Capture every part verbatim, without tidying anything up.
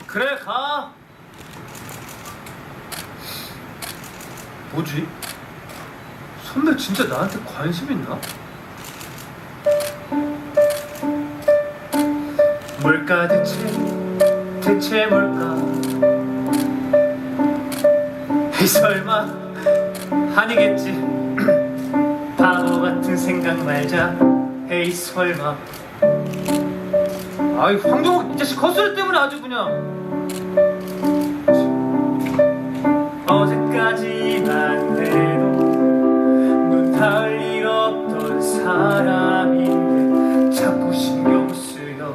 그래 가. 뭐지? 선배 진짜 나한테 관심 있나? 뭘까 대체 대체 뭘까? 에이 설마 아니겠지. 바보 같은 생각 말자. 에이 설마. 아이 황정욱 이 자식 헛소리 때문에 아주 그냥. 어제까지만 해도 눈 닿을 일 없던 사람인데 자꾸 신경 쓰여.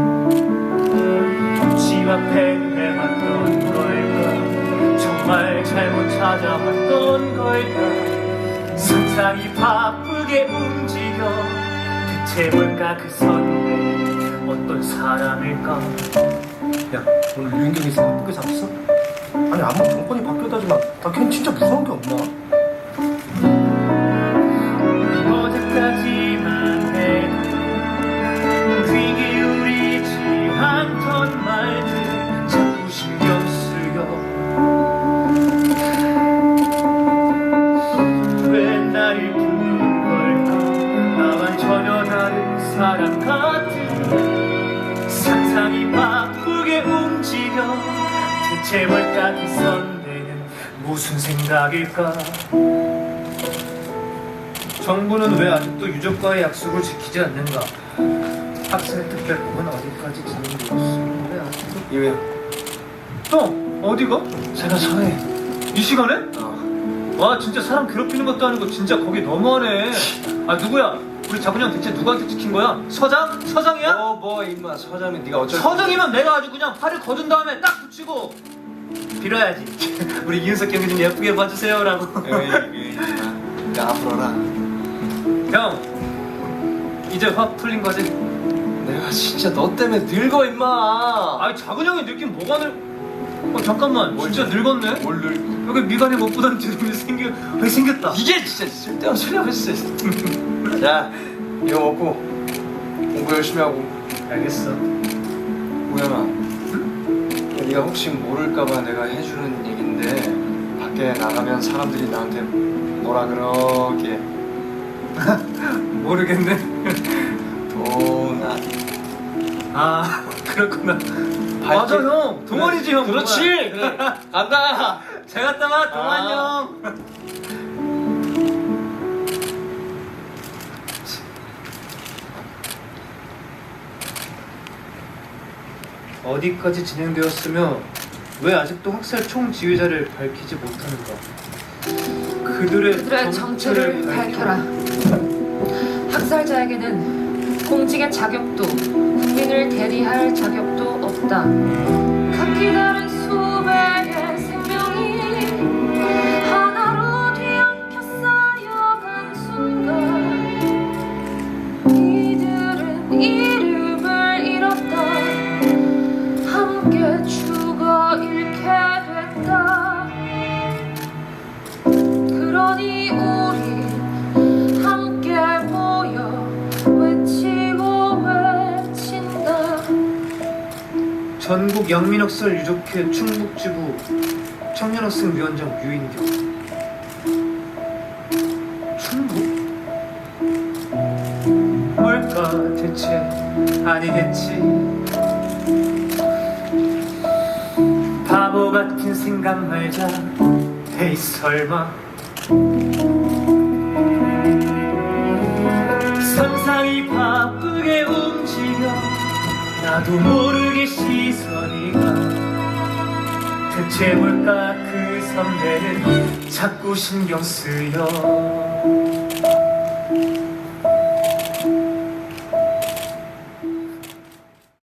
집 앞에 내왔던 걸까? 정말 잘못 찾아왔던 걸까? 상상이 바쁘게 움직여. 대체 뭘까 그 선배 어떤 사람일까? 야, 오늘 유인경이 생 바쁘게 잡았어? 아니 아무리 정권이 바뀌었다지만 나 걔는 진짜 무서운 게 없나? 어제까지만 해도 귀 기울이지 않던 말들 자꾸 신경 쓰여. 왜 나를 부른 걸까? 나만 전혀 다른 사람 같은 상상이 바쁘게 움직여. 대체 뭘까 그 선배는 무슨 생각일까? 정부는 왜 아직도 유족과의 약속을 지키지 않는가? 학생 특별법은 어디까지 진행되었으며 왜 아직도? 이외 형 어디가? 제가 서해. 이 시간에? 어. 와 진짜 사람 괴롭히는 것도 아니고 진짜 거기 너무하네. 아 누구야? 우리 자군이 형 대체 누구한테 찍힌 거야? 서장? 서장이야? 어뭐 임마 서장이 네가 어쩔 서장이면 내가 아주 그냥 팔을 거둔 다음에 딱 붙이고 빌어야지. 우리 이윤석 경이 좀 예쁘게 봐주세요라고. 에이 임마 까불어라. 형 이제 확 풀린 거지? 내가 진짜 너 때문에 늙어 임마. 아니 작은 형이 늙긴 뭐가 늙... 어 잠깐만 뭘 진짜 늙었네? 뭘 늙... 여기 미간에 못 보던 주름이 생겨... 왜 생겼다. 이게 진짜 쓸데없는 소리 하고 있어. 자 이거 먹고 공부 열심히 하고. 알겠어. 우영아, 네가 혹시 모를까봐 내가 해주는 얘긴데 밖에 나가면 사람들이 나한테 뭐라 그러게. 모르겠네. 도나. 아 그렇구나. 맞아 형 동원이지 형. 그렇지. 동원. 그래. 간다. 잘 갔다 와 동원 아. 형. 어디까지 진행되었으며 왜 아직도 학살 총지휘자를 밝히지 못하는가? 그들의, 그들의 정체를 밝혀라. 학살자에게는 공직의 자격도 국민을 대리할 자격도 없다. 각기 다른 수백의 생명이 하나로 뒤엉켜 쌓여간 순간 이들은 이름을 잃었다. 함께 죽어 잃게 됐다. 그러니 우리 함께 모여 외치고 외친다. 전국 영민학살 유족회 충북지부 청년학생위원장 유인경. 충북? 뭘까 대체 아니겠지. 바보 같은 생각 말자. 에이 설마. 상상이 바쁘게 움직여. 나도 모르게 시선이 가. 대체 뭘까 그 선배는 자꾸 신경 쓰여.